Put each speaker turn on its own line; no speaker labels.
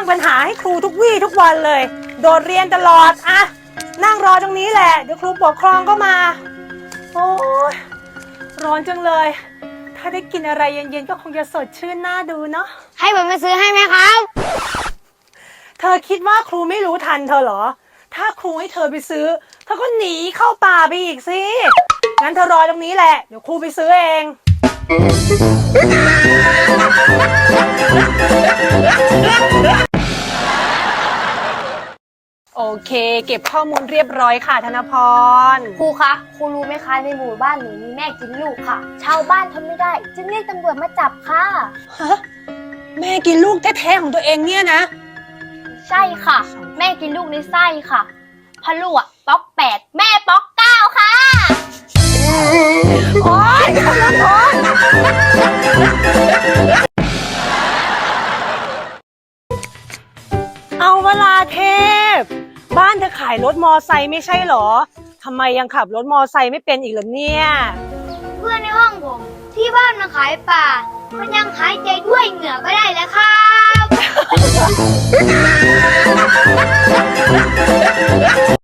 ปัญหาให้ครูทุกวี่ทุกวันเลยโดดเรียนตลอดอะนั่งรอตรงนี้แหละเดี๋ยวครูปกครองก็มาโอ้ยร้อนจังเลยถ้าได้กินอะไรเย็นๆก็คงจะสดชื่นน่าดูเนาะ
ให้ผมไปซื้อให้ไหมครับ
เธอคิดว่าครูไม่รู้ทันเธอเหรอถ้าครูให้เธอไปซื้อเธอก็หนีเข้าป่าไปอีกสิงั้นเธอรอตรงนี้แหละเดี๋ยวครูไปซื้อเองโอเคเก็บข้อมูลเรียบร้อยค่ะธนพร
ครูคะครูรู้ไหมคะในหมู่บ้านหนูมีแม่กินลูกค่ะชาวบ้านทนไม่ได้จึงเรียกตำรวจมาจับค่ะ
ฮะแม่กินลูกแท้ๆของตัวเองเนี่ยนะ
ใช่ค่ะแม่กินลูกในไส้ค่ะพ่อลูกป๊อก8แม่ป๊อก9ค่ะ
โอ๊ยธนพรเอาเวลาเทพบ้านเธอขายรถมอไซค์ไม่ใช่เหรอทำไมยังขับรถมอไซค์ไม่เป็นอีกเหรอเนี่ย
เพื่อนในห้องผมที่บ้านมาขายป่ามันยังหายใจด้วยเหงื่อไม่ได้แล้วครับ